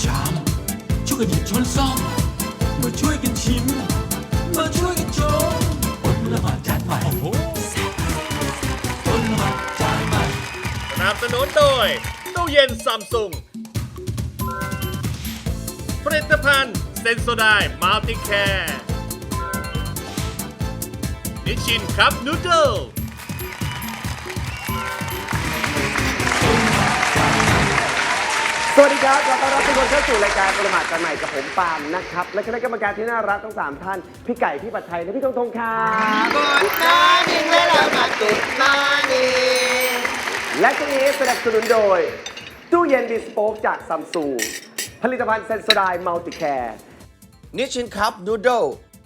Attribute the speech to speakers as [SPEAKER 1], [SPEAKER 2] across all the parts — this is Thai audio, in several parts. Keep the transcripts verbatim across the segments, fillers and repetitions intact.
[SPEAKER 1] ชามช่วยกันหยิบช้อนซ่อมมาช่วยกันชิมมาช่วยกันชมอดละหมาดจานใหม่อดละหมาดจานใหม่
[SPEAKER 2] สนับสนุนโดยตู้เย็นซัมซุงผลิตภัณฑ์เซนโซไดมัลติแคร์นิชชินคัพนูโดล
[SPEAKER 3] สวัสดีครับขอต้อนรับทุกคนเข้าสู่รายการประมาทกันใหม่กับผมปาล์มนะครับและคณะกรรมการที่น่ารักทั้งสามท่านพี่ไก่พี่ปัดไทยและพี่ธงธงครับกดมาดิงและเรามาจุดมาดิงและช่วงนี้สนับสนุนโดยตู้เย็นดิสโป๊กจากซัมซุงผลิตภัณฑ์เซนโซไดมัลติแคร์นิชชินคัพนูโดล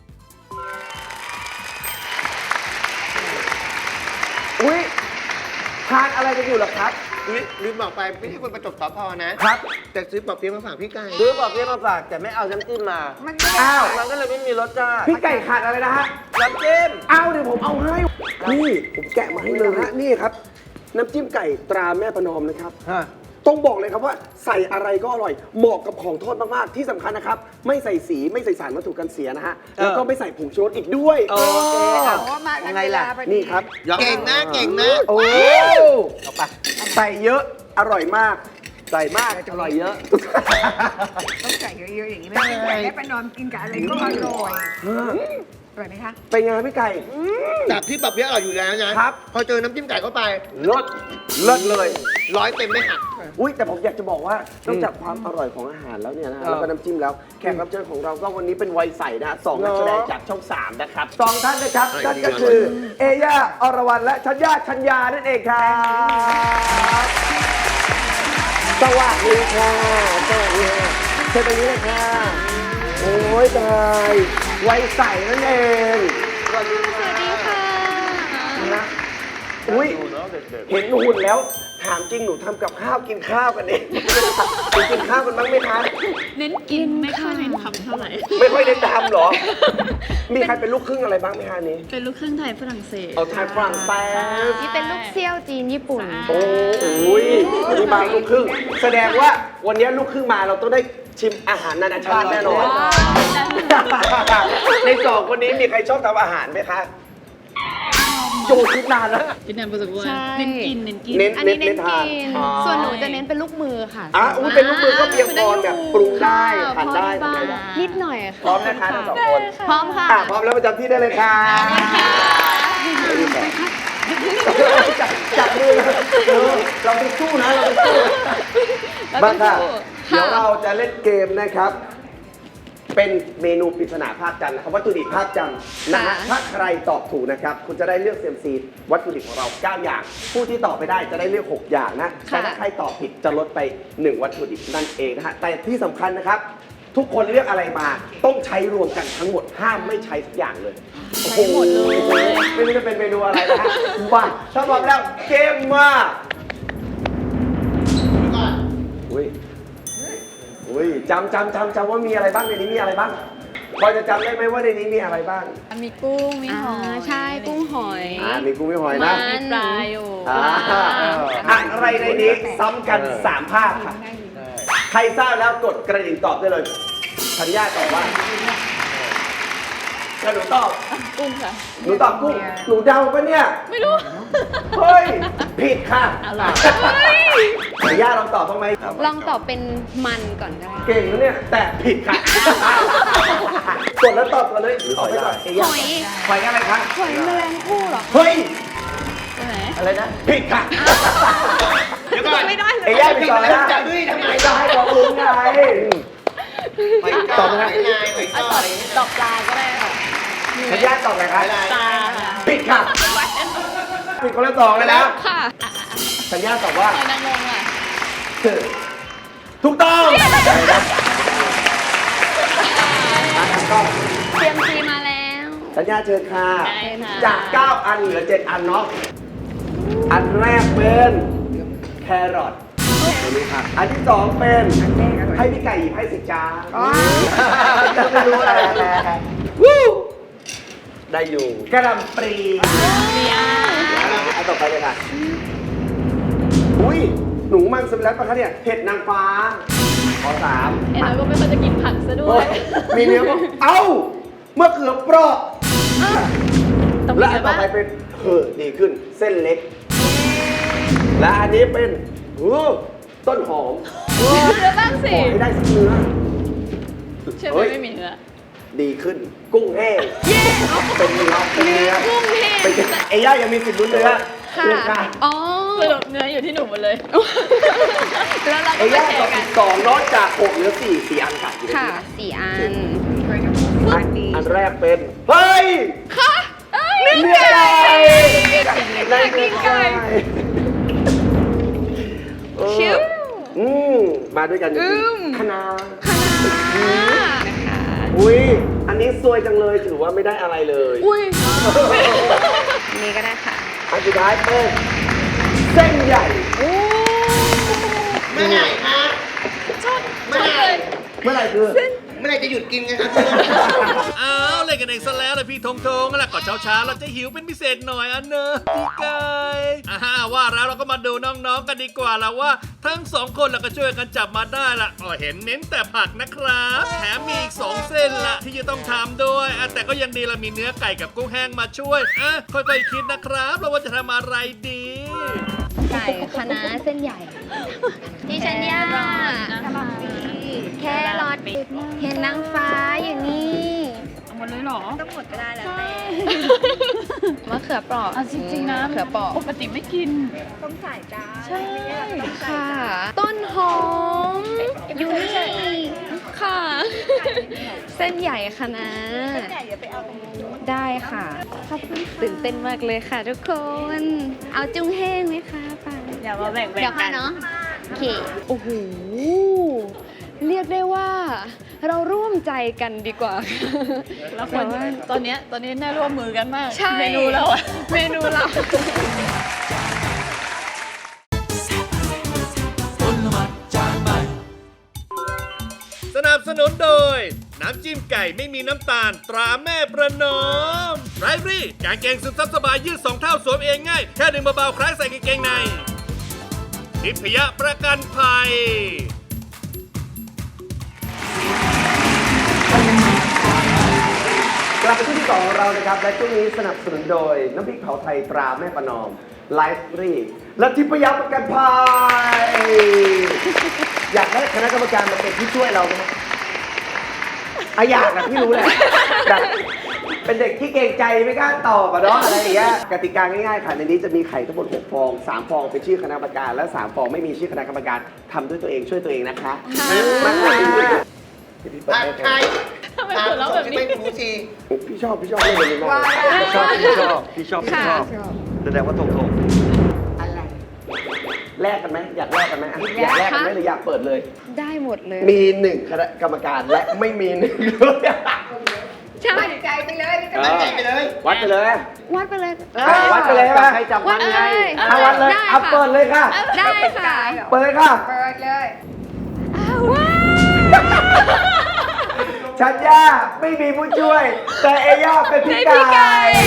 [SPEAKER 3] อุ๊ยทานอะไรกันอยู่หรอครับ
[SPEAKER 4] ลืมบอกไปไม่ใช่คนประจบสพนะครับ แต่ซื้อปอบเปี๊ยะมาฝากพี่ไก่
[SPEAKER 3] ซื้อปอบเปี๊ยะมาฝากแต่ไม่เอาน้ำจิ้มมาอ้าวมันก็เลยไม่มีรสชาติพี่ไก่ขาดอะไรนะฮะน้ำจิ้มเอาเดี๋ยวผมเอาให้นี่ผมแกะมาให้เลยฮะนี่ครับน้ำจิ้มไก่ตราแม่ประนอมนะครับต้องบอกเลยครับว่าใส่อะไรก็อร่อยเหมาะกับของทอดมากๆที่สำคัญนะครับไม่ใส่สีไม่ใส่สารวัตถุกันเสียนะฮะแล้วก็ไม่ใส่ผงชูรสอีกด้วยโอเคยังไงล่ะนี่ครับ
[SPEAKER 4] เก่งนะเก่งนะ
[SPEAKER 3] โอ้เอาไปใส่เยอะอร่อยมากใส่มากอร่อยเยอะ
[SPEAKER 5] ต้องใส่เยอะๆอย่างนี้ไม่ได้แค่ประนอมกินกับอะไรก็อร่อยอร่อยไหมคะ
[SPEAKER 3] เป็นไงพี่ไก่
[SPEAKER 4] จากที่ปอบเปี๊ยะอร่อยอยู่แล้วนะครับ พอเจอน้ำจิ้มไก่เข้าไป
[SPEAKER 3] เลิศเลิศเลย
[SPEAKER 4] ร้อยเต็มไม่หัก
[SPEAKER 3] อุ้ยแต่ผมอยากจะบอกว่านอกจากความอร่อยของอาหารแล้วเนี่ยนะฮะแล้วก็น้ำจิ้มแล้วแขกรับเชิญของเราก็วันนี้เป็นวัยใสนะสองนักแสดงจากช่องสามนะครับสองท่านนะครับนั่นก็คือเอย่าอรวรรณและชัญญาชัญญานั่นเองครับสวัสดีค่ะสวัสดีค่ะเชิญตรงนี้เลยค่ะโอ้ยตายวัยใสนั่นเองสวัสดีค่ะนะอุ้ยเห็นหุ่นแล้วถามจริงหนูทำกับข้าวกินข้าวกันเองหนูกินข้าวกันบ้างไหมคะ
[SPEAKER 6] เน้นกินไม่ค่อยเน้นทำเท่าไหร่
[SPEAKER 3] ไม่ค่อยได้ทำหรอ มีใครเป็นลูกครึ่งอะไรบ้างไหมคะนี้
[SPEAKER 6] เป็นลูกครึ่งไทยฝรั่งเศส
[SPEAKER 3] เอาไทยฝรั่งเศส
[SPEAKER 7] นี่เป็นลูกเซี่ยวจีนญี่ปุ่น
[SPEAKER 3] โอ้โหวันนี้มาลูกครึ่งแสดงว่าวันนี้ลูกครึ่งมาเราต้องได้ชิมอาหารนานาชาติแน่นอน ในสองคนนี้มีใครชอบทำอาหารไหมคะโจคิดนานแล้ว
[SPEAKER 6] กินแนมประสบการ
[SPEAKER 7] ใช่
[SPEAKER 6] ณ์เน้นกินเน้นกิน
[SPEAKER 3] เน้น
[SPEAKER 7] อันนี้เน้นกิน
[SPEAKER 3] อ๋อ
[SPEAKER 7] ส่วนหนูจะเน้นเป็นลูกมือค่ะ
[SPEAKER 3] อ่ะอุ้ยเป็นลูกมือก็เพียงพอแบบปรุงได้ทานได้
[SPEAKER 7] พอ
[SPEAKER 3] ทำอะไรได้
[SPEAKER 7] นิดหน่อยค่ะ
[SPEAKER 3] พร้อมนะคะทั้งสองคน
[SPEAKER 7] พร้อมค่ะ
[SPEAKER 3] อ่ะพร้อมแล้วประจำที่ได้เลยค่ะจับจับมือเออเราไปสู้นะเราไปสู้บ้างค่ะเดี๋ยวเราจะเล่นเกมนะครับ เป็นเมนูปริศนาภาคจันทร์นะครับวัตถุดิบภาคจันทร์นะฮะถ้าใครตอบถูกนะครับคุณจะได้เลือกเซียมซีวัตถุดิบของเราเก้าอย่าง ผู้ที่ตอบไปได้จะได้เลือกหกอย่างนะแต่ถ้าใครตอบผิดจะลดไปหนึ่งวัตถุดิบนั่นเองนะฮะแต่ที่สำคัญนะครับ ทุกคนเลือกอะไรมาต้องใช้รวมกันทั้งหมดห้ามไม่ใช้สักอย่างเลยใช้หมดเลยไม่รู้จะเป็นเมนูอะไรนะฮะมาถ้าพร้อมแล้วเกมมาอุ้ยอุ้ยจำจำจำจำว่ามีอะไรบ้างในนี้มีอะไรบ้างพอจะจำได้ไหมว่าในนี้มีอะไรบ้าง
[SPEAKER 6] มีกุ้ง มีหอย
[SPEAKER 7] ใช่กุ้งหอย
[SPEAKER 3] อ่ามีกุ้งมีหอยนะ
[SPEAKER 6] มีปลาอยู่
[SPEAKER 3] อ่าอะไรในนี้ซ้ำกันสามภาพค่ะใครทราบแล้วกดกระดิ่งตอบได้เลยธัญญาตอบว่าแล้วหนูตอบ
[SPEAKER 6] กุ้งค่ะ
[SPEAKER 3] หนูตอบกุ้งหนูเดาปะเนี่ย
[SPEAKER 6] ไม่รู้
[SPEAKER 3] เฮ้ยผิดค่ะ
[SPEAKER 6] อะไร
[SPEAKER 3] ธัญญาลองตอบบ้างไหม
[SPEAKER 7] ลองตอบเป็นมันก่อนก็ได้
[SPEAKER 3] เก่งนะเนี่ยแต่ผิดค่ะกดแล้วตอบกันเลยตอบให้ก่อน
[SPEAKER 7] หอย
[SPEAKER 3] หอยอะไรคะ
[SPEAKER 7] หอยแมลงภู่เหรอ
[SPEAKER 3] เฮ้ย
[SPEAKER 6] ใช่ไหม
[SPEAKER 3] อะไรนะผิดค่ะ
[SPEAKER 4] เดี๋ยวก่อน
[SPEAKER 7] ไม่ได้เล
[SPEAKER 3] เอ้
[SPEAKER 7] ย
[SPEAKER 3] ยย่าไปต่อแล้ว
[SPEAKER 4] จะด้วยทำไม
[SPEAKER 3] จะให้บอกลุงไง
[SPEAKER 4] หอยจอบหอยลายหอยจอบ
[SPEAKER 6] ตอกปลาก็ได้ค่ะ
[SPEAKER 3] ธัญญาตอบอะไรคะ
[SPEAKER 6] ปลา
[SPEAKER 3] ผิดค่ะผิดคนละสองเลยนะ
[SPEAKER 6] ค่ะ
[SPEAKER 3] ธัญญาตอบว่า
[SPEAKER 6] หอยนางรมอ่ะ
[SPEAKER 3] ถูกต้องมาทำกล้อง
[SPEAKER 7] เตรียมซีมาแล้ว
[SPEAKER 3] ธัญญาเชิญค่ะ
[SPEAKER 6] ได้ค่ะ
[SPEAKER 3] จากเก้าอันเหลือเจ็ดอันเนาะอันแรกเป็นแครอทอันที่สองเป็นให้พี่ไก่หยิบให้สิจ้าไม่รู้อะไรวู้ได้อยู่กระหล่ำปลี
[SPEAKER 6] เบียร์
[SPEAKER 3] อันต่อไปเลยค่ะอุ้ยหนูมันสำเร็จปะคะเนี่ยเห็ดนางฟ้าข้อสาม
[SPEAKER 6] เอ็นเราก็ไม่ค่อยจะกินผักซะด้ว
[SPEAKER 3] โอ้
[SPEAKER 6] ย
[SPEAKER 3] ยมีเนื้อบอกเอ้าเมื่อเขือเปราะ
[SPEAKER 6] ต้อง
[SPEAKER 3] และ
[SPEAKER 6] มี
[SPEAKER 3] อั
[SPEAKER 6] กัน น
[SPEAKER 3] ต่อ
[SPEAKER 6] บ้าง
[SPEAKER 3] ไปเป็นเออดีขึ้นเส้นเล็ก และอันนี้เป็นโอ้ต้นหอม
[SPEAKER 6] เนื้อบ้างสิ
[SPEAKER 3] ขอให้ได้สักเนื้อ
[SPEAKER 6] เชื่อไหม
[SPEAKER 3] เฮ้ย
[SPEAKER 6] ไม่มีเนื้อ
[SPEAKER 3] ดีขึ้นกุ้งแห้งเป็นเนื้อเป็นเนื้อ
[SPEAKER 7] กุ้งแห้ง
[SPEAKER 3] เป็นเอย่ายังมีสิทธิ์ลุ้นเนื้อ
[SPEAKER 7] ค่ะ
[SPEAKER 3] เนื้อค่ะ
[SPEAKER 7] อ๋อ
[SPEAKER 6] สรุปเนื้ออยู่ที่หนูหมดเลย
[SPEAKER 7] แล้วเรา
[SPEAKER 3] เอ
[SPEAKER 7] ก็
[SPEAKER 3] ย่า
[SPEAKER 7] มาแช
[SPEAKER 3] ตอบ
[SPEAKER 7] ร์กั
[SPEAKER 3] ผิ
[SPEAKER 7] น
[SPEAKER 3] ดสองนอกจากหกเหลือสี่สี่อันค่ะอยู่ใน
[SPEAKER 7] ค่ะ
[SPEAKER 3] นี้
[SPEAKER 7] สี่อัน
[SPEAKER 5] อันนี้
[SPEAKER 3] อันแรกเป็น เฮ้ย
[SPEAKER 7] ค่ะ
[SPEAKER 3] เนื้อไก่เนื้อไก่เออ
[SPEAKER 7] ชิว
[SPEAKER 3] อืมมาด้วยกันจริงๆคณะ
[SPEAKER 7] นะคะ
[SPEAKER 3] อุ้ยอันนี้ซวยจังเลยถือว่าไม่ได้อะไรเลย
[SPEAKER 7] อุ้ยนี่ก็ได้ค่ะ
[SPEAKER 3] อันสุดท้ายเป็นเส้นใหญ่
[SPEAKER 4] เมื่อไหร่คะ
[SPEAKER 6] ชอบ
[SPEAKER 4] เมื่อไหร่
[SPEAKER 3] เมื่อไหร่คือ
[SPEAKER 4] เมื่อไหร่จะหยุดกินกันครับ
[SPEAKER 2] อ้าวเล่นกันเองซะแล้วเลยพี่ทงทงแล้วก็เช้าเช้าๆเราจะหิวเป็นพิเศษหน่อยอันเนอะพี่ไก่อ่าว่าแล้วเราก็มาดูน้องๆกันดีกว่าแล้วว่า ทั้งสองคนเราก็ช่วยกันจับมาได้ละอ๋อเห็นเน้นแต่ผักนะครับแถมมีอีกสองเส้นละที่จะต้องทำด้วยอ่ะแต่ก็ยังดีเรามีเนื้อไก่กับกุ้งแห้งมาช่วยอ่ะค่อยๆคิดนะครับเราว่าจะทำอะไรดี
[SPEAKER 7] ไก่คะน้าเส้นใหญ่ดิฉันย่า
[SPEAKER 6] ทำไม
[SPEAKER 7] แครอทเห็นนางฟ้าอยู่นี่
[SPEAKER 6] เอาหมดเลยเหรอ
[SPEAKER 7] ต้องหมดก็ได้แล้วแต่มะเขือเปราะ
[SPEAKER 6] เอาจริงๆนะ
[SPEAKER 7] มะเขือเปราะ
[SPEAKER 6] ปกติไม่กิน
[SPEAKER 5] ต้องใส่จ้า
[SPEAKER 6] ใช่
[SPEAKER 7] ค่ะ ต้นหอมอยู่นี่ค่ะ เส้นใหญ่คะน้า
[SPEAKER 5] ใหญ่อย่าไปเอาตรงนู้น
[SPEAKER 7] ได้ค่ะขอบคุณตื่นเต้นมากเลยค่ะทุกคน เอาจุ้งแห้งไหมคะปัง
[SPEAKER 6] อย่ามาแบ่งๆ
[SPEAKER 7] เดี๋ยวค่ะ
[SPEAKER 6] กัน
[SPEAKER 7] เนาะโอเคโอ้โหเรียกได้ว่า เราร่วมใจกันดีกว่า
[SPEAKER 6] แล้วคนตอนเนี้ยตอนนี้น่าร่วมมือกันมาก
[SPEAKER 7] ใช่
[SPEAKER 6] เมนูเราอะ
[SPEAKER 7] เมนูเรา
[SPEAKER 1] ต้นละมัดจานใหม่
[SPEAKER 2] สนับสนุนโดย น้ำจิ้มไก่ไม่มีน้ำตาลตราแม่ประนอมไรฟรี่กางเกงซึมซับสบายยืดสองเท่าสวมเองง่าย แค่ดึงเบาๆคล้ายใส่กางเกงในทิพยประกันภัย
[SPEAKER 3] กลับไปที่ที่สองของเรานะครับ และช่วงนี้สนับสนุนโดย น้ำพริกเผาไทยตราแม่ประนอมไลฟ์รีและทิพยประกันภัยอยากให้คณะกรรมการมาเป็นผู้ช่วยเราไหมอะอยากนะพี่รู้แหละแบบเป็นเด็กที่เกรงใจไม่กล้าตอบอะเนาะอะไรอย่างเงี้ยกติกาง่ายๆค่ะในนี้จะมีไข่ทั้งหมดหกฟองสามฟองเป็นชื่อคณะกรรมการและสามฟองไม่มีชื่อคณะกรรมการทำด้วยตัวเองช่วยตัวเองนะคะมาค่ะพี่เปิด
[SPEAKER 4] ผัด
[SPEAKER 3] ให้
[SPEAKER 4] ไทย
[SPEAKER 6] ทำไมหัวเราะแบบนี้
[SPEAKER 4] ไม่หมูสี
[SPEAKER 3] พี่ชอบพี่ชอบเล่นแบบนี้มากพี่ชอบพี่ชอบพี่ชอบพี่ชอบแสดงว่าตรงตรง
[SPEAKER 5] อะไร
[SPEAKER 3] แลกกันไหมอยากแลกกันไหมอ่ะอยากแลกกันไหมหรืออยากเปิดเลย
[SPEAKER 7] ได้หมดเลย
[SPEAKER 3] มีหนึ่งคณะกรรมการและไม่มีหนึ่งเลย
[SPEAKER 7] ใช่
[SPEAKER 5] มั่นใจไปเลยไม่ต้อง
[SPEAKER 4] มั่นใจไปเลย
[SPEAKER 3] วัดไปเลย
[SPEAKER 7] วัดไปเลย
[SPEAKER 3] อ่ะวัดไปเลยใช่ไหมใครจับมันไง
[SPEAKER 7] วัดเลย
[SPEAKER 3] อ่ะวัดเลย
[SPEAKER 7] ได้
[SPEAKER 3] เอา
[SPEAKER 7] ค่ะ
[SPEAKER 3] เปิดเลยค่ะ
[SPEAKER 7] ได้ค่ะ
[SPEAKER 3] เปิดเลยค่ะ
[SPEAKER 5] เปิดเลย
[SPEAKER 7] ว้าว
[SPEAKER 3] ชัญญาไม่มีผู้ช่วย แต่เอย่าเป็นพี่ไก่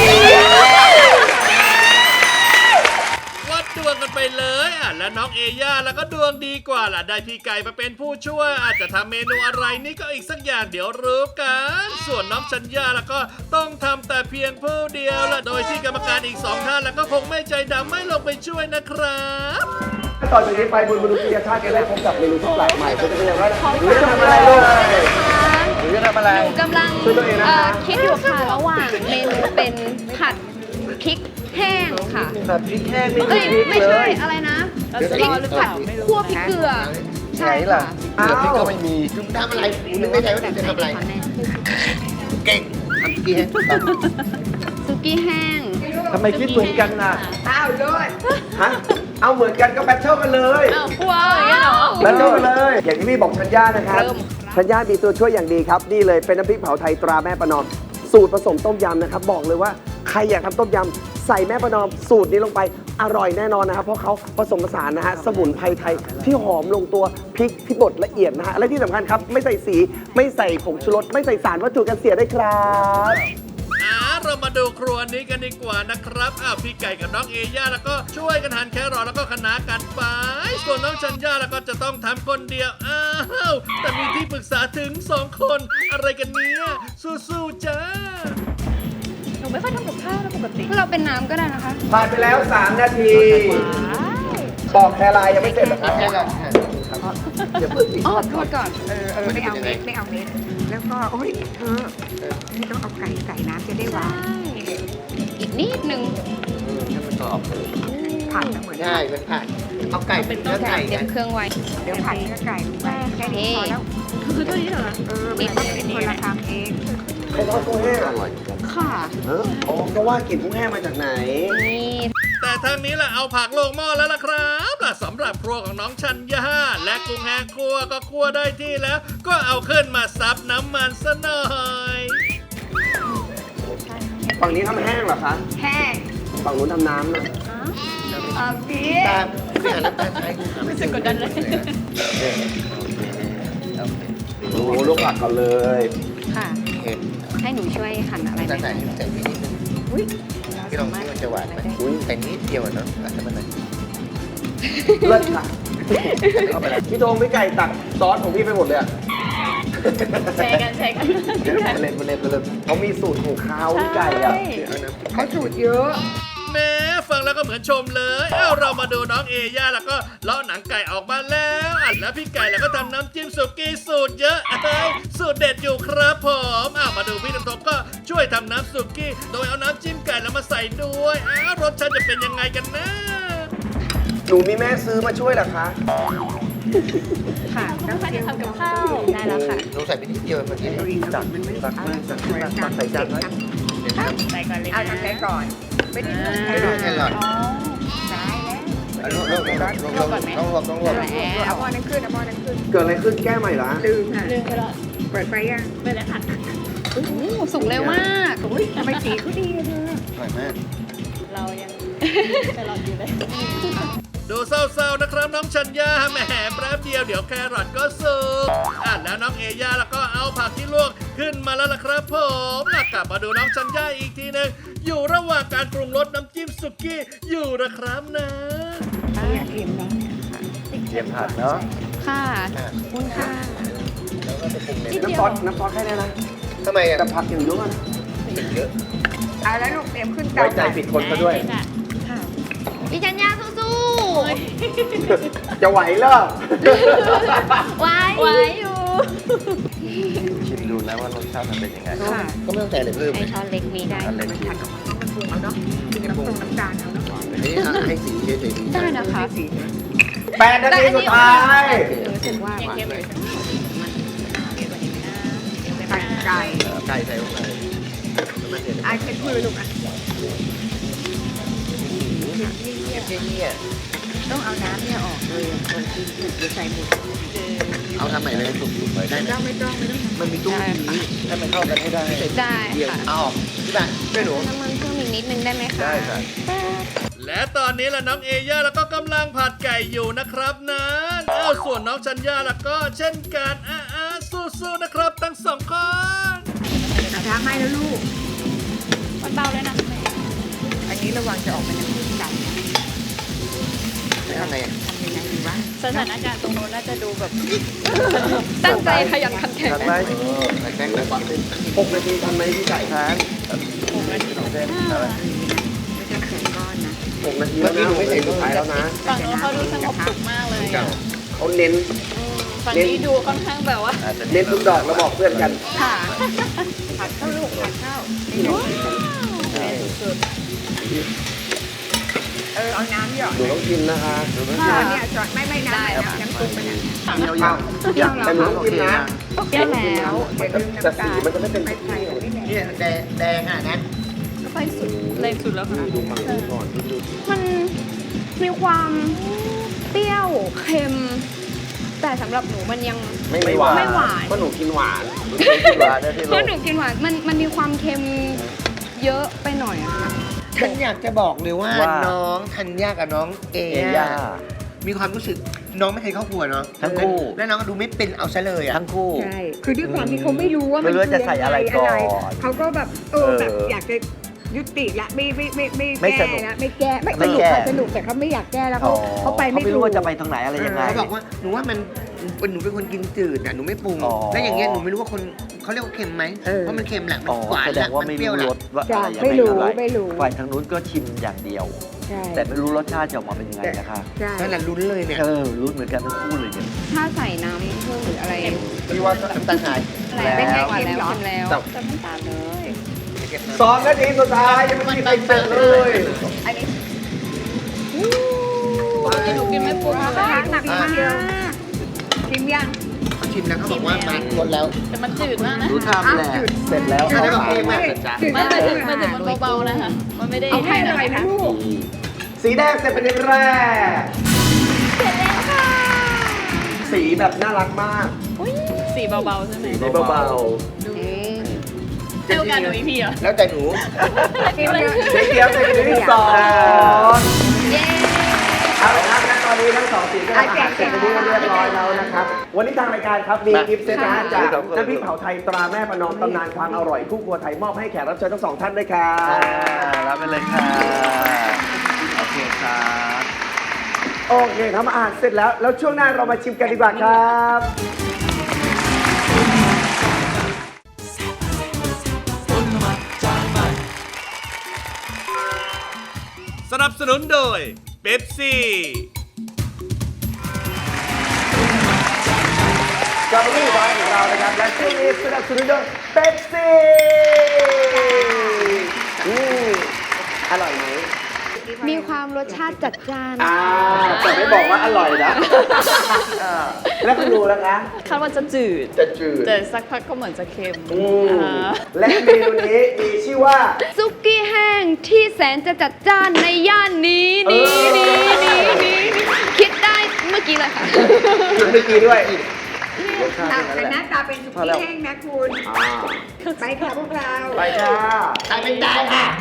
[SPEAKER 2] วัดดวงกันไปเลยอ่ะและน้องเอย่าแล้วก็ดวงดีกว่าล่ะได้พี่ไก่มาเป็นผู้ช่วยอาจจะทำเมนูอะไรนี่ก็อีกสักอย่างเดี๋ยวรู้กันส่วนน้องชัญญาแล้วก็ต้องทำแต่เพียงผู้เดียวละโดยที่กรรมการอีกสองท่านแล้วก็คงไม่ใจดำไม่ลงไปช่วยนะครับ
[SPEAKER 3] ต่อจากนี้ไปบนมนุษยชาติจะได้พบกับเมนูที่แปลกใหม่จะเป็นอย่างไรหรือจะทำอะไรลูกหรือจะทำอะไร
[SPEAKER 7] หนูกำลัง
[SPEAKER 3] ช่วยตัวเองนะคะ
[SPEAKER 7] เอ่อคิดอยู่ค่ะระหว่างเมนูเป็นผัดพริกแห้งค่ะ
[SPEAKER 3] แบบพริกแห้งไม่
[SPEAKER 7] เอ้
[SPEAKER 3] มี
[SPEAKER 7] ย
[SPEAKER 3] พริก
[SPEAKER 7] ไม่
[SPEAKER 3] เล
[SPEAKER 7] ใช่
[SPEAKER 3] ย
[SPEAKER 7] อะไรนะ
[SPEAKER 6] แล้วจะ
[SPEAKER 7] พริ
[SPEAKER 6] ร
[SPEAKER 7] ก
[SPEAKER 6] อหรือเป
[SPEAKER 7] ผัด
[SPEAKER 6] ล่าไม่รู้
[SPEAKER 7] คั่วพริกเกลือใช่ค่ะ
[SPEAKER 3] อ้าวพริกก็ไม่มี
[SPEAKER 4] คุณทำอะไรคุณนึกในใจว่าคุณจะทำอะไร
[SPEAKER 7] แม่
[SPEAKER 4] เก่งทำกี่แห้งถูกต้อง
[SPEAKER 7] ซุกี้แห้ง
[SPEAKER 3] ทำไมคิดเหมือนกันน่ะ
[SPEAKER 5] อ้าวโดน
[SPEAKER 3] ฮะ เอาเหมือนกันก็แบทเทิลกันเลย
[SPEAKER 6] อ้าวกลัวอย่างเงี้ยเหรอ
[SPEAKER 3] แบทเทิลกันเลย อย่างที่พี่บอกชัญญานะครับชัญญามีตัวช่วยอย่างดีครับ นี่เลยเป็นน้ำพริกเผาไทยตราแม่ประนอม สูตรผสมต้มยำนะครับ บอกเลยว่าใครอยากทำต้มยำใส่แม่ประนอมสูตรนี้ลงไปอร่อยแน่นอนนะครับ เพราะเขาผสมผสานนะฮะสมุนไพรไทยที่หอมลงตัวพริกที่บดละเอียดนะฮะและที่สำคัญครับไม่ใส่สีไม่ใส่ผงชูรสไม่ใส่สารวัตถุกันเสียได้วยครับ
[SPEAKER 2] อ่าเรามามาดูครัวนี้กันดีกว่านะครับอ้าวพี่ไก่กับน้องเอย่าแล้วก็ช่วยกันหั่นแครอทแล้วก็คะน้ากันไปส่วนน้องชัญญาแล้วก็จะต้องทำคนเดียวอ้าวแต่มีที่ปรึกษาถึงสองคนอะไรกันเนี่ยสู้ๆจ้า
[SPEAKER 6] หนูไม่ค่อยทำกับข้าวนะปกติ
[SPEAKER 7] เราเป็นน้ำก็ได้นะคะ
[SPEAKER 3] ผ่านไปแล้ว สาม นาที ปอกแครายยังไม่เสร็จเหรอครับ
[SPEAKER 4] แค่ละ
[SPEAKER 3] อย่าเพิ่งสิ
[SPEAKER 7] อ๋อโทษก่อน
[SPEAKER 5] เออเออไม่เอาเม็ดไม่เอาเม็ดแล้วก็โอ้ยเธอนี่ต้องเอาไก่ใส่น้ำจะได้หวาน
[SPEAKER 7] อีกนิดนึง
[SPEAKER 4] ให้มันกรอบ
[SPEAKER 5] ผัดแล้วเหมือน
[SPEAKER 4] ใช่มันผัดเอาไก่เป็นเนื้อไก่
[SPEAKER 7] เตรีย
[SPEAKER 4] กั
[SPEAKER 7] ม
[SPEAKER 4] น
[SPEAKER 7] เครื่องไว้
[SPEAKER 5] เดี๋ยวผัดเนื้อไก่ลงไปแค่นี้พอแล้ว
[SPEAKER 6] คือตัวนี้เหรอ
[SPEAKER 5] เออมันต้องเป็นคนละทำเอง
[SPEAKER 3] ไข่ทอดกุ้งแห้งอร่อย
[SPEAKER 7] ค่ะ
[SPEAKER 3] เอออ๋อก็ว่ากลิ่นกุ้งแห้งมาจากไหน
[SPEAKER 7] นี่
[SPEAKER 2] แต่ทางนี้แหละเอาผักลงหม้อแล้วล่ะครับล่ะสำหรับครัวของน้องชัญญาและกุ้งแห้งครัวก็ครัวได้ที่แล้ว ก็เอาขึ้นมาซับน้ำมันซะหน่อย
[SPEAKER 3] ฝั่งนี้ทำแห้งเหรอคะ
[SPEAKER 5] แห้ง
[SPEAKER 3] ฝั่งนู้นทำน้ำนะ
[SPEAKER 5] เอาสิ
[SPEAKER 4] ตามพี่หันน้ำตาลใช้
[SPEAKER 6] รู้สึกกดดันเลย
[SPEAKER 3] โอ้โหลูกผักกันเลย
[SPEAKER 7] ค่ะ
[SPEAKER 4] เห็น
[SPEAKER 7] ให้หนูช่วยหั่นอะไรไหม
[SPEAKER 4] น้ำตาลใส่ใส่พี่นิดนึง
[SPEAKER 7] อุ้ย
[SPEAKER 4] พี่ลองที่มันจะหวานไหมใส่นิดเดียวอะเนาะอาจจะมันหน่อย
[SPEAKER 3] เลิศค่ะเข้าไปแล้วพี่โดงพี่ไก่ตักซอสของพี่ไปหมดเลยอะ
[SPEAKER 6] แชร์กันแชร์กัน
[SPEAKER 3] เล่นเล่นเล่นเขามีสูตรของเขาพี่ไก่อะ
[SPEAKER 5] เขาสูตรเยอะ
[SPEAKER 2] แม้ฟังแล้วก็เหมือนชมเลย เอ้าเรามาดูน้องเอย่าแล้วก็เลาะหนังไก่ออกมาแล้วอ่ะแล้วพี่ไก่แล้วก็ทำน้ำจิ้มสุกี้สูตรเยอะเอ้ยสูตรเด็ดอยู่ครับผมอ้าวมาดูพี่น้ำทงก็ช่วยทำน้ำสุกี้โดยเอาน้ำจิ้มไก่แล้วมาใส่ด้วยอ้าวรสชาติจะเป็นยังไงกันนะ
[SPEAKER 3] หนูมีแม่ซื้อมาช่วยเหรอคะ
[SPEAKER 7] ค่ะ
[SPEAKER 6] น้ำตาลจะทำกับข้าว
[SPEAKER 7] ได้แล้วค่ะ
[SPEAKER 4] ลองใส่ไปนิดเดียวเมื่อกี้
[SPEAKER 3] ตักตักมาตักมาตักใส่จานไว้
[SPEAKER 6] ใส่ก่อนเลย
[SPEAKER 5] เอาทำใจก่อน ไม่ได้นุ่ม
[SPEAKER 4] ไม่รู้แค่หลอด
[SPEAKER 6] อ๋อ
[SPEAKER 5] ได้แล้ว
[SPEAKER 4] ลองลองลองลองลองลองลองลองลอง
[SPEAKER 5] เอาหม้อนั้นขึ้นเอาหม้อนั้นขึ้น
[SPEAKER 3] เกิดอะไรขึ้นแก้ใหม่ละ
[SPEAKER 5] ลืมค่ะ
[SPEAKER 6] ลืมไปแล้ว
[SPEAKER 5] เปิดไฟยัง
[SPEAKER 6] ไปแล้วค่ะ
[SPEAKER 7] อู้สุกเร็วมาก
[SPEAKER 5] อุ้ยทำไมสีเขาดีอะเธอ
[SPEAKER 4] อร่อยมาก
[SPEAKER 6] เรายังแครอทอยู่เลย
[SPEAKER 2] ดูเศร้าๆนะครับน้องชัญญาแหมแป๊บเดียวเดี๋ยวแครอทก็สุกอ่ะแล้วน้องเอย่าแล้วก็เอาผักที่ลวกขึ้นมาแล้วล่ะครับผมอ่ะกลับมาดูน้องชัญญาอีกทีหนึงอยู่ระหว่างการปรุงรสน้ำจิ้มสุกี้อยู่นะครับนะ
[SPEAKER 5] อยากเค็มนะ
[SPEAKER 3] เตรียมผัดเนาะ
[SPEAKER 7] ค่ะขอบคุณค่ะ
[SPEAKER 4] แล้วก็จะปรุงใน
[SPEAKER 3] น้ำซอสน้ำซอสแค่นี้นะ
[SPEAKER 4] ทำไมอ่ะ
[SPEAKER 3] แต่ผักอย่างเยอะนะ
[SPEAKER 4] เยอะ
[SPEAKER 5] เอาแล้วลูกเตรียมขึ้นเตา
[SPEAKER 3] ไว้ใจผิดคนซะด้วย
[SPEAKER 6] ได้ค่ะ
[SPEAKER 7] พี่ชัญญาสู้
[SPEAKER 3] จะไหวเหรอ
[SPEAKER 7] ๆไว้
[SPEAKER 6] ไว้อยู่
[SPEAKER 8] ชิมดูนะว่ารสชาติมันเป็นยังไง
[SPEAKER 5] ค่ะ
[SPEAKER 4] ก็ไม่ต้องใส่อะไรเพิ่ม
[SPEAKER 7] ไอช้อนเล็กมีได้
[SPEAKER 8] อันเล็ก
[SPEAKER 5] มัน
[SPEAKER 8] ชิ
[SPEAKER 5] ผั
[SPEAKER 8] ม
[SPEAKER 5] ดกับมันต้องมันปรุงเอาเนาะกินน้ำตรงน้ำตาลเอาเนาะ
[SPEAKER 4] อันนี้ให้สีเฉยๆดี
[SPEAKER 7] ได้นะคะ
[SPEAKER 5] สี
[SPEAKER 3] แปดนาทีสุดท้าย
[SPEAKER 7] รู้สึกว่า
[SPEAKER 6] ยังเค็มอยู่
[SPEAKER 5] ผัดไก่
[SPEAKER 4] ไก่ใส่ลงไปมันเด็ด
[SPEAKER 5] อาเช็ดมือลูกอ่ะ
[SPEAKER 4] เที่ยเนี่ย
[SPEAKER 5] ต้องเอาน้ำเนี่ยออกเลยอ่ะก่อนกินเดี๋ยวใส่หมด
[SPEAKER 4] เอาทำใหม่เลยถูกๆไปได้
[SPEAKER 5] ไม่
[SPEAKER 4] ไหม
[SPEAKER 5] ต้องไม่ต้องไม่ต้อง
[SPEAKER 4] มันมีตู้นี้ให้มันเข้ากันให้ได้
[SPEAKER 7] ได้
[SPEAKER 4] เดียว
[SPEAKER 7] ค่ะ
[SPEAKER 4] เอาออกพี่บ้านช่วยหนู
[SPEAKER 7] น้ำมันเพิ่มอีกนิดนึงได้ไหมคะ
[SPEAKER 4] ได้ค่ะ
[SPEAKER 2] และตอนนี้ล่ะน้องเอย่าแล้วก็กำลังผัดไก่อยู่นะครับนะเอ้าส่วนน้องชัญญาแล้วก็เช่นกันอ่ะอ่ะสู้ๆนะครับทั้งสองคน
[SPEAKER 5] กระทะไหม้แล้วลูก
[SPEAKER 6] มันเบาเลยนะแม่
[SPEAKER 5] อันนี้ระวังจะออกเป็นน้ำจิ้มไก่นะ
[SPEAKER 4] แล้วทำไงอ่ะ
[SPEAKER 5] ทำยังไงดีวะ
[SPEAKER 6] สถานการณ์ตรงโน้นน่าจะดูแบบ
[SPEAKER 7] ตั้งใจขยันขันแข็ง
[SPEAKER 3] ทันไหม
[SPEAKER 4] ใส่แป้งแบบ
[SPEAKER 3] หกนาทีทันไหมพี่ไก่
[SPEAKER 8] ทาน
[SPEAKER 6] ผมนาที
[SPEAKER 8] เส้นอะไร
[SPEAKER 5] ไม่ต้องใส่ก้อนนะ
[SPEAKER 3] หกนาทีแล้วนะหกนาทีสุดท้ายแล้วนะ
[SPEAKER 6] ฝั่งโน้นเขาดูสงบสุขมากเลยอ่ะ
[SPEAKER 3] เขาเน้น
[SPEAKER 6] ฝั่งนี้ดูค่อนข้างแบบว่า
[SPEAKER 8] อาจจะ
[SPEAKER 3] เน้นทุกดอกแล้วบอกเพื่อนกัน
[SPEAKER 7] ค่ะ
[SPEAKER 5] ผัดข้าวลูกผัดข้าว
[SPEAKER 6] สุด
[SPEAKER 5] เออเอาน้ำหยอด
[SPEAKER 3] หนูต้องกินนะคะ
[SPEAKER 5] ช้อนเนี่ยช้อนไม่ไม่น้ำน้ำปรุงไปเนี่ย
[SPEAKER 3] เอ้าแต่หนูต้องกินนะ
[SPEAKER 7] เปรี้ยวแล้ว
[SPEAKER 5] อย่าลืม
[SPEAKER 3] แต่
[SPEAKER 5] น้ำ
[SPEAKER 3] สี
[SPEAKER 5] ตาล
[SPEAKER 3] มันจะไม่เป็น
[SPEAKER 5] ไปไทยแบบนี้แหละ
[SPEAKER 4] เนี่ยแดงแดงอ่ะนะ
[SPEAKER 6] ก็ไปสุดแรงสุดแล้วค่ะ
[SPEAKER 3] ดูฝั่งนี้ก่อนดู
[SPEAKER 7] มันมีความเปรี้ยวเค็ม แต่สำหรับหนูมันยัง
[SPEAKER 3] ไม่ไม่หวาน
[SPEAKER 7] ไม่หวาน
[SPEAKER 3] เพราะหนูกินหวาน
[SPEAKER 8] หวานนะที่
[SPEAKER 7] เพ
[SPEAKER 8] โล
[SPEAKER 7] ราะ
[SPEAKER 8] ก
[SPEAKER 7] หนูกินหวานมันมันมีความเค็มเยอะไปหน่อยอะค่ะ
[SPEAKER 4] ฉันอยากจะบอกเลยว่า
[SPEAKER 8] ว่า
[SPEAKER 4] น้องธัญญากับน้องเอ
[SPEAKER 8] เอย่า
[SPEAKER 4] มีความรู้สึกน้องไม่เคยเข้าครัวเนาะ
[SPEAKER 8] ทั้งคู่
[SPEAKER 4] แล้วน้องก็ดูไม่เป็นเอาซะเลยอ่ะ
[SPEAKER 8] ทั้งคู่
[SPEAKER 5] ใช่ คือด้วยความที่เขาไม่รู้ว่า
[SPEAKER 8] ไม่รู้ว่าจะใส่อะไรก่อน
[SPEAKER 5] เขาก็แบบเออแบบ
[SPEAKER 8] เออ
[SPEAKER 5] อยากจะยุติละไม่ไม่ไม่ไม่
[SPEAKER 8] ไม่
[SPEAKER 5] แก้
[SPEAKER 8] สนุก
[SPEAKER 5] ละไม่แก้ไม่
[SPEAKER 8] ไม่
[SPEAKER 5] สนุก
[SPEAKER 8] แก้
[SPEAKER 5] ค่ะสนุกแต่เขาไม่อยากแก้แล้วเขาเขาไปไม่
[SPEAKER 8] ไม่
[SPEAKER 5] ถู
[SPEAKER 8] รู้
[SPEAKER 5] ก
[SPEAKER 8] ว่าจะไปทางไหนอะไรยังไง
[SPEAKER 4] เขาบอกว่าหนูว่ามันหนูเป็นคนกินจืดอ่ะหนูไม่ปรุง
[SPEAKER 8] อ๋อ
[SPEAKER 4] แล้วอย่างเงี้ยหนูไม่รู้ว่าคนเขาเรียกว่าเค็มไหมเพราะมันเค็มแหละมัน
[SPEAKER 8] อ๋อ
[SPEAKER 4] หวาน
[SPEAKER 8] แสด
[SPEAKER 4] แหละ
[SPEAKER 8] งว่า
[SPEAKER 4] มัน
[SPEAKER 8] ไม่
[SPEAKER 4] เปรี้ยว
[SPEAKER 8] รู้
[SPEAKER 4] แห
[SPEAKER 8] ร
[SPEAKER 4] ละ
[SPEAKER 8] สว่า
[SPEAKER 5] จ้ะ
[SPEAKER 8] อะไรยัง
[SPEAKER 5] ไม่
[SPEAKER 8] ไง
[SPEAKER 5] รู้
[SPEAKER 8] เท่าไหร่
[SPEAKER 5] ไม่รู้
[SPEAKER 8] ฝ่ายทางนู้นก็ชิมอย่างเดียว
[SPEAKER 5] ใช่
[SPEAKER 8] แต่ไม่รู้รสชาติจะออกมาเป็นยังไงนะคะ
[SPEAKER 5] ใช่
[SPEAKER 4] นั่นแหละลุ้นเลยเนี่ย
[SPEAKER 8] เออรู้เหมือนกันทั้งคู่เลยเนี่ย
[SPEAKER 7] ถ้าใส่น้ำเพิ่มหรืออะไร
[SPEAKER 4] พี่ว่าน้ำตาลหาย
[SPEAKER 7] อะไรเป็นไงหวานแล้ว
[SPEAKER 5] แล้ว
[SPEAKER 7] ชิมแล้ว
[SPEAKER 8] แต่
[SPEAKER 7] แต่น้ำตาลเลย
[SPEAKER 3] สองนาทีสุดท้ายยังไม่มีใครเสร็จเลย
[SPEAKER 5] อันนี้
[SPEAKER 6] ปกติหนูกินไม่ปรุง
[SPEAKER 5] ว้าว
[SPEAKER 6] เลย
[SPEAKER 5] หนักมากชิมยัง
[SPEAKER 4] เขาชิมแล้วเขาบอกว่ามันหมดแล้ว
[SPEAKER 6] แต่มันจืดมากนะ
[SPEAKER 8] รู้ทำแหละเสร็จแล้ว
[SPEAKER 4] อะไรแบบ
[SPEAKER 8] เอา
[SPEAKER 4] เอง
[SPEAKER 8] มา
[SPEAKER 4] อะ
[SPEAKER 8] จ้ะ
[SPEAKER 6] ไม่แต่ถึงมันถึงมันเบาๆนะคะมันไม่ได้
[SPEAKER 5] เอาให้อร่อยนะลูก
[SPEAKER 3] สีแดงเสร็จเป็นแรกสีแบบน่ารักมาก
[SPEAKER 6] สีเบาๆใช่ไหม
[SPEAKER 3] สีเบา
[SPEAKER 6] ให้โอกาสหนูอีกทีเหรอ
[SPEAKER 4] แล้วแต่หนู
[SPEAKER 5] ชิมเลย
[SPEAKER 3] ๆสีเขียวเสร็จเป็นที่สอง
[SPEAKER 7] เย้
[SPEAKER 3] เอาละครับและตอนนี้ทั้งสองสีก็ทำอาหารเสร็จเป็นที่เรียบร้อยแล้วนะครับ วันนี้ทางรายการครับมีกิฟต์เซตนะฮะจากน้ำพริกเผาไทยตราแม่ประนอมตำนานความอร่อยคู่ครัวไทยมอบให้แขกรับเชิญทั้งสองท่านด้วยครั
[SPEAKER 8] อ่า
[SPEAKER 3] บ
[SPEAKER 8] รับไปเลยค่ะ โอเคครับ
[SPEAKER 3] โอเคทำอาหารเสร็จแล้ว แล้วช่วงหน้าเรามาชิมกันดีกว่าครับ
[SPEAKER 1] ต้นน้ำมันจานใหม่
[SPEAKER 2] สนับสนุนโดยเป๊ปซี่
[SPEAKER 3] กลับมาที่ร้านของเรานะครับ และช่วงนี้สนับสนุนโดยเป๊ปซี่อืมอร่อยไหม
[SPEAKER 7] มีความรสชาติจัดจ้าน
[SPEAKER 3] อ่าแต่ไม่บอกว่าอร่อยนะอ่าแล้วคุณดูแล้วนะ
[SPEAKER 6] คาดว่าจะจืด
[SPEAKER 3] จะจืด
[SPEAKER 6] แต่สักพักก็เหมือนจะเค็ม
[SPEAKER 3] อืม
[SPEAKER 6] อ่า
[SPEAKER 3] และเมนูนี้มีชื่อว่า
[SPEAKER 7] ซุกี้แห้งที่แสนจะจัดจ้านในย่านนี้นี้นี้นี้นี้คิดได้เมื่อกี้เลยค่ะ
[SPEAKER 3] กินเมื่อกี้ด้วยรสชาติ
[SPEAKER 5] อ่ะ
[SPEAKER 3] เป็น
[SPEAKER 5] แต่ห
[SPEAKER 3] นั่
[SPEAKER 5] น้าน ตาเป็นสุกี้แห้งนะคุณ
[SPEAKER 3] อ่า
[SPEAKER 5] ไปค่ะพวกเรา
[SPEAKER 3] ไปค่ะ
[SPEAKER 4] ตายเป็นตายค่ะ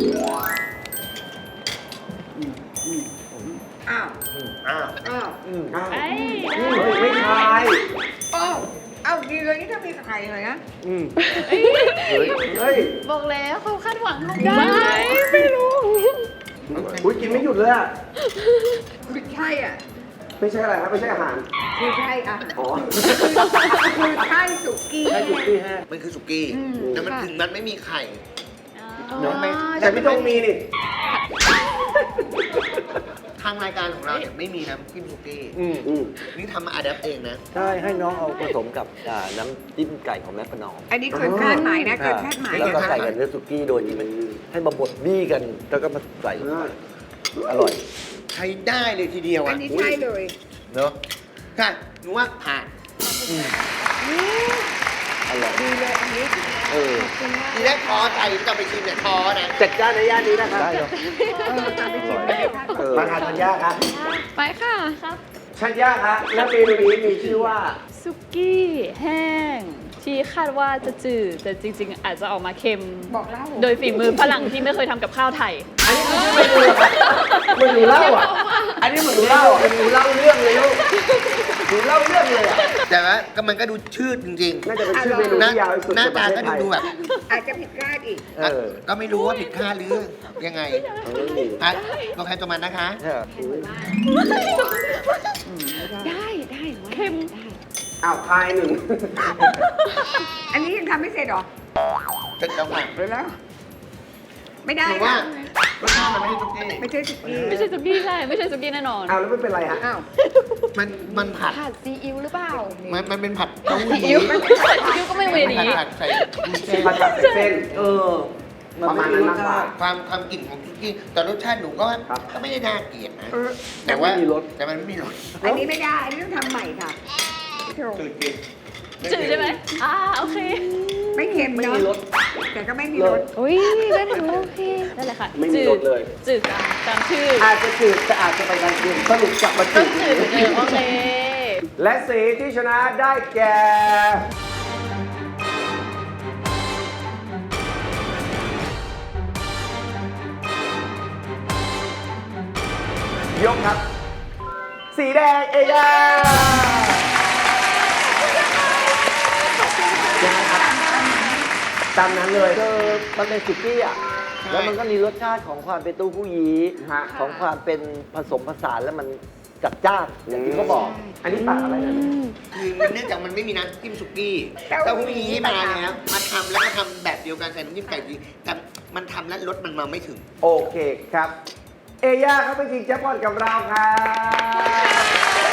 [SPEAKER 5] อ้าว
[SPEAKER 4] อ้าว
[SPEAKER 5] อ้าว
[SPEAKER 3] อืมอ้าว
[SPEAKER 6] เอ้ย
[SPEAKER 3] อืมเฮ้ยไม่ใช่
[SPEAKER 5] อ้าวอ้าวดีเลยนี่ถ้ามีไข่เลยนะ
[SPEAKER 3] อืมเฮ้ยเฮ้ย
[SPEAKER 6] บอกแล้วเขาคาดหวังของ
[SPEAKER 7] ได้ ไม่รู้
[SPEAKER 3] อุ้ยกินไม่หยุดเลยอ่ะ
[SPEAKER 5] คือใช่อ่ะ
[SPEAKER 3] ไม่ใช่อะไรครับไม่ใช่อาหาร
[SPEAKER 5] คือใช่อ่ะ
[SPEAKER 3] อ๋อ
[SPEAKER 5] คือใช่สุกี้
[SPEAKER 3] ใช่สุกี้แห้ง
[SPEAKER 4] มันคือสุกี้
[SPEAKER 7] อืม
[SPEAKER 4] แต่มัน
[SPEAKER 7] ค่ะ
[SPEAKER 4] ถึงมันไม่มีไข่
[SPEAKER 7] อ๋อ
[SPEAKER 4] เนอะไม่
[SPEAKER 3] แต่พี่ต้องมีนี่
[SPEAKER 4] ทางรายการของเราเนี่ยไม่มีน้ำจิ้มสุกี้
[SPEAKER 8] อืม
[SPEAKER 3] อืม
[SPEAKER 4] นี่ทำมาอัดแอปเองนะ
[SPEAKER 8] ใช่ให้น้องเอาผสมกับอ่าน้ำจิ้มไก่ของแม่ประนอม
[SPEAKER 5] อันนี้เกินคาดหมายนะเกินคาดหมาย
[SPEAKER 8] แล้วก็
[SPEAKER 5] นะ
[SPEAKER 8] ใส่กับเนื้อสุกี้โดยที่มันให้มาบดบี้กัน แล้วก็มาใส่ลงไปอร่อย
[SPEAKER 4] ใช้ได้เลยทีเดียว
[SPEAKER 5] อั
[SPEAKER 4] อ่ะ
[SPEAKER 5] นนี้ใช่เลย
[SPEAKER 4] เนอะใช่หนูว่าผ่าน
[SPEAKER 8] อร่อย
[SPEAKER 5] ดีเลยอันนี้
[SPEAKER 8] เออ
[SPEAKER 4] ทีแรกท้อใจที่จะไปชิมเนี่ยท้อนะ
[SPEAKER 3] จัดจ้านในย่านนี้นะครับ
[SPEAKER 8] ได้เหรอ
[SPEAKER 5] เออตามไปชิมกันนะคะ
[SPEAKER 8] เออ
[SPEAKER 3] มาทานธัญญาครับ
[SPEAKER 7] ไปค่ะครับ
[SPEAKER 3] ธัญญาครับและเมนูนี้มีชื่อว่า
[SPEAKER 6] ซุกี้แห้ง ที่คาดว่าจะจืด แต่จริง ๆ อาจจะออกมาเค็ม
[SPEAKER 5] บอกเล่า
[SPEAKER 6] โดยฝีมือฝรั่งที่ไม่เคยทำกับข้าวไทย
[SPEAKER 3] อันนี้คือชื่อเมนูเหมือนหนูเล่าอ่ะ อันนี้เหมือนหนูเล่าอ่ะหนูเล่าเรื่องเลยลูกหนูเล่าเรื่องเลยอ่ะ
[SPEAKER 4] แต่ว่าก็มันก็ดูชืดจริง
[SPEAKER 3] น่าจะเป็นชื่อเมนู
[SPEAKER 4] ๆหน้า
[SPEAKER 3] ที่ยาวที่สุด
[SPEAKER 4] หน้า
[SPEAKER 3] ในป
[SPEAKER 4] ตา
[SPEAKER 3] ระเทศ
[SPEAKER 4] ก็
[SPEAKER 3] ไท
[SPEAKER 4] ดู
[SPEAKER 3] ย
[SPEAKER 4] ดูแบบ
[SPEAKER 5] อาจจะผิดพลาดอีก
[SPEAKER 3] เออ
[SPEAKER 4] ก็ไม่รู้ว่าผิดคาดหรือยังไง
[SPEAKER 3] เออ
[SPEAKER 4] อ่ะตัวใครตัวมันนะคะ
[SPEAKER 8] ใช่
[SPEAKER 7] ได้ได้
[SPEAKER 6] เข้ม
[SPEAKER 7] ได้
[SPEAKER 3] อ้าวพายหนึ่ง
[SPEAKER 5] อันนี้ยังทำไม่เสร็จเหรอ
[SPEAKER 4] เสร็จแล้วค่ะ
[SPEAKER 5] เดี๋ยวแล้ว ไม่ได้
[SPEAKER 4] หนูว่า
[SPEAKER 5] ค่ะ
[SPEAKER 4] รสชาติมันไม่ใช่ทุกที่
[SPEAKER 5] ไม่ใช่สุกี้
[SPEAKER 6] ไม่ใช่ซุกี้ใช่ ไม่ใช่ซุกี้แน่นอน
[SPEAKER 3] อ้าวแล้วไม่เป็นไรฮะ
[SPEAKER 5] อ้าว
[SPEAKER 4] มันมันผัด
[SPEAKER 7] ผัดซีอิ๊วหรือเปล่า
[SPEAKER 4] มันมันเป็นผัดเต้าหู้
[SPEAKER 6] ซีอิ๊วซีอิ๊วก็ไม่เว
[SPEAKER 4] ผัด
[SPEAKER 6] นี้
[SPEAKER 4] ผัดใส่วุ้นเส้น
[SPEAKER 3] ผัดกับใส่เส้น เออ ประมาณนั้นมากกว่า
[SPEAKER 4] ความความกลิ่นของซุกี้แต่รสชาติหนูก็
[SPEAKER 3] ครับ
[SPEAKER 4] ก็ไม่ได้น่าเกลียดนะ
[SPEAKER 5] เออ
[SPEAKER 4] แต่ว่า
[SPEAKER 8] ไม่มีรส
[SPEAKER 4] แต่มันไม่มีรส
[SPEAKER 5] อันนี้ไม่ได้ อันนี้ต้องทำใหม่ค่ะพี่โถ
[SPEAKER 4] จืดจริง
[SPEAKER 6] จืดใช่ไหมอ่าโอเค
[SPEAKER 5] ไม่เค็ม
[SPEAKER 3] ไม่
[SPEAKER 5] เนาะ
[SPEAKER 3] มีรส
[SPEAKER 5] แต่ก็ไม่มี
[SPEAKER 3] เล
[SPEAKER 5] ร
[SPEAKER 3] ย
[SPEAKER 5] ส
[SPEAKER 7] อุ้ยก็ถือว่าโอเค
[SPEAKER 6] นั่นแหละค่ะ
[SPEAKER 3] ไม่มี
[SPEAKER 6] จื
[SPEAKER 3] ร
[SPEAKER 6] ด
[SPEAKER 3] สเลย
[SPEAKER 6] จืดตามตามชื่อ
[SPEAKER 3] อาจจะจืดแต่อาจจะไปทางเค็มสรุปกลับมา
[SPEAKER 6] ต้
[SPEAKER 3] จื
[SPEAKER 6] อง
[SPEAKER 3] ด
[SPEAKER 6] จืดเหมือนเดิมโอเค
[SPEAKER 3] และสีที่ชนะได้แก่ ยกครับ สีแดงเอยาตามนั้นเลย
[SPEAKER 8] เจอมันเป็นสุกี้อ่ะ
[SPEAKER 4] ใช่
[SPEAKER 8] แล้วมันก็มีรสชาติของความเป็นเตู้ผู้ยี้
[SPEAKER 3] ฮะ
[SPEAKER 8] ของความเป็นผสมผสานแล้วมันจัดจ้านอย่างที่เขาบอก
[SPEAKER 3] อันนี้ตักอะไรนะ
[SPEAKER 4] คือมันเนื่องจากมันไม่มีน้ำจิ้มสุกี้เต้าหู้ยี้มาแล้วมาทำแล้วก็ทำแบบเดียวกันใส่น้ำจิ้มไก่ดีแต่มันทำแล้วรสมันมาไม่ถึง
[SPEAKER 3] โอเคครับ เอย่าเขาไปชิงแจ็คพอตกับเราครับ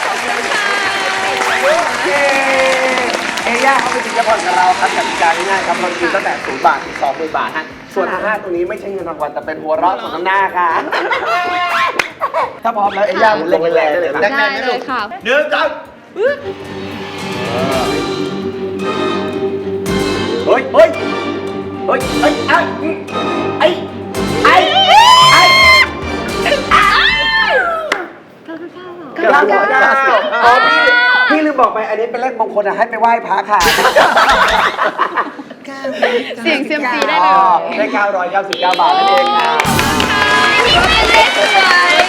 [SPEAKER 3] โอเคเอย่าเขาไปชิงแจ็คพอตกับเราครับกติกาง่ายๆครับเรากินตั้งแต่ศูนย์บาทถึงสองหมื่นบาทฮะส่วนห้าตรงนี้ไม่ใช่เงินรางวัลแต่เป็นหัวเราะของน้ำหน้าค่ะถ้าพร้อมแล้วเอย่าหมุนลงแรงได้เลยครับ
[SPEAKER 7] ได้เลยค่ะ
[SPEAKER 3] หนึ่งสองเฮ้ยเฮ้ยเฮ้ยเฮ้ยไอ้ไอ้ไอ้ไอ้เก้าเก้าเก้าอ๋อพี่พี่ลืมบอกไปอันนี้เป็นเลขมงคลอะให้ไปไหว้พระค่ะ
[SPEAKER 7] เสียงเซียมซีได้เล
[SPEAKER 3] อ๋อย ได้เก้าร้อยเก้าสิบเก้าบาทนั่นเองค่ะ
[SPEAKER 7] นี่เป็นเลขสวย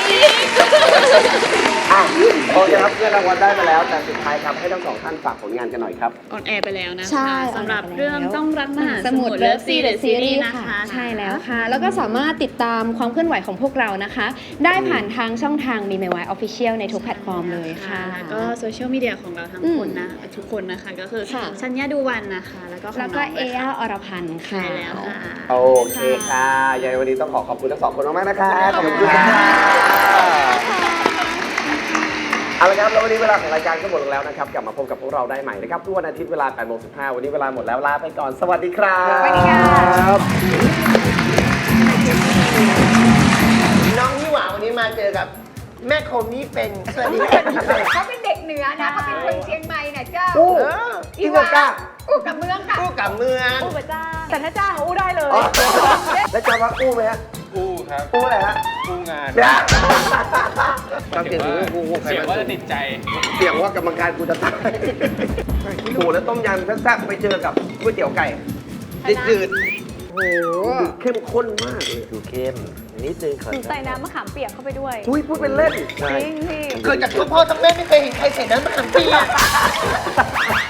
[SPEAKER 3] อ่ะโอเคครับเพื่อนรางวัลได้มาแล้ว แต่สุดท้ายครับให้ทั้งสองท่านฝากผลงานกันหน่อยครับ
[SPEAKER 6] ออนแอร์ไปแล้วนะ
[SPEAKER 7] ใช่
[SPEAKER 6] คะสำหรับเรื่องต้องรักมหา
[SPEAKER 7] ส
[SPEAKER 6] ส
[SPEAKER 7] มุ
[SPEAKER 6] มุ
[SPEAKER 7] ด
[SPEAKER 6] ทร
[SPEAKER 7] เลิ
[SPEAKER 6] เลิ
[SPEAKER 7] ฟ
[SPEAKER 6] ฟ
[SPEAKER 7] ซี
[SPEAKER 6] ซี
[SPEAKER 7] เด
[SPEAKER 6] เด
[SPEAKER 7] อะ
[SPEAKER 6] อะ
[SPEAKER 7] ซี
[SPEAKER 6] ซี
[SPEAKER 7] รี
[SPEAKER 6] รี
[SPEAKER 7] ส์
[SPEAKER 6] ส์
[SPEAKER 7] นะ
[SPEAKER 6] นะคะ คะ
[SPEAKER 7] ใช่แล้วค่ะ แล้วก็สามารถติดตามความเคลื่อนไหวของพวกเรานะคะ ได้ผ่านทางช่องทางมีเมวายออฟฟิเชียลในทุกแพลตฟอร์มเลยค่ะ
[SPEAKER 6] แล้วก็โซเชียลมีเดียของเราทั้งคนนะทุกคนนะคะ ก็คือ
[SPEAKER 7] ค่ะ
[SPEAKER 6] ชัญญาดูวันนะคะ แล้วก็ของ
[SPEAKER 7] แล้วก็
[SPEAKER 6] น้ง
[SPEAKER 7] เอ
[SPEAKER 6] ด้วย
[SPEAKER 7] ย่า
[SPEAKER 6] ค่ะ
[SPEAKER 7] อรพันธ์ค่ะ
[SPEAKER 6] ใช่แล้วค่ะ
[SPEAKER 3] โอเคค่ะยังไงวันนี้ต้องขอขอบคุณทั้งสองคนมากๆนะคะ
[SPEAKER 7] ขอบคุณค่ะ
[SPEAKER 3] เอาละครับแล้ววันนี้เวลาของรายการก็หมดลงแล้วนะครับ กลับมาพบกับพวกเราได้ใหม่นะครับทุกวันอาทิตย์เวลาแปดโมงสิบห้าวันนี้เวลาหมดแล้วลาไปก่อน สวัสดีครับ
[SPEAKER 5] สวัสดีค่ะ
[SPEAKER 4] น้องยี่หว่าวันนี้มาเจอกับแม่คมนี่เป็นสวัสดีค่ะ
[SPEAKER 5] เขาเป็นเด็กเหนือนะเขาเป็นคนเชียงใหม่นะเจ้า
[SPEAKER 3] อู้
[SPEAKER 4] เออ
[SPEAKER 3] อีเวอร์ก้า
[SPEAKER 5] อู้กับเมืองค่ะ
[SPEAKER 4] คู่กับเมือง
[SPEAKER 5] อู้กับจ้าแต่ถ้าจ้างอู้ได้เลย
[SPEAKER 3] อ๋อแล้วจะว่าอู้ไหมฮะ
[SPEAKER 4] คู่ครับ
[SPEAKER 3] อู้อะไรฮะ
[SPEAKER 4] คู่งาน
[SPEAKER 3] เนี่ย
[SPEAKER 4] ความเสี่ยงสูงคู่คู่ใคร
[SPEAKER 9] เสียง
[SPEAKER 4] มา
[SPEAKER 9] ว่า
[SPEAKER 4] สู
[SPEAKER 9] จะ
[SPEAKER 4] ง
[SPEAKER 9] ติดใจ
[SPEAKER 3] เสี่ยงว่ากรรมการกูจะตายโอ้โหแล้วต้มยำแซ่บๆไปเจอกับก๋วยเตี๋ยวไก่
[SPEAKER 4] จืด
[SPEAKER 3] โอ้โหเข้มข้นมากเลย
[SPEAKER 8] ดูเข้มนิดนึงขอ
[SPEAKER 6] หนูใส่น้ำมะขามเปียกเข้าไปด้วย
[SPEAKER 3] อุ้ยพูดเป็นเล่น
[SPEAKER 6] จริงพี่
[SPEAKER 4] ๆเกิดจากพ่อพ่อทั้งแม่ไม่เคยเห็นใครใส่น้ำมะขามเปียก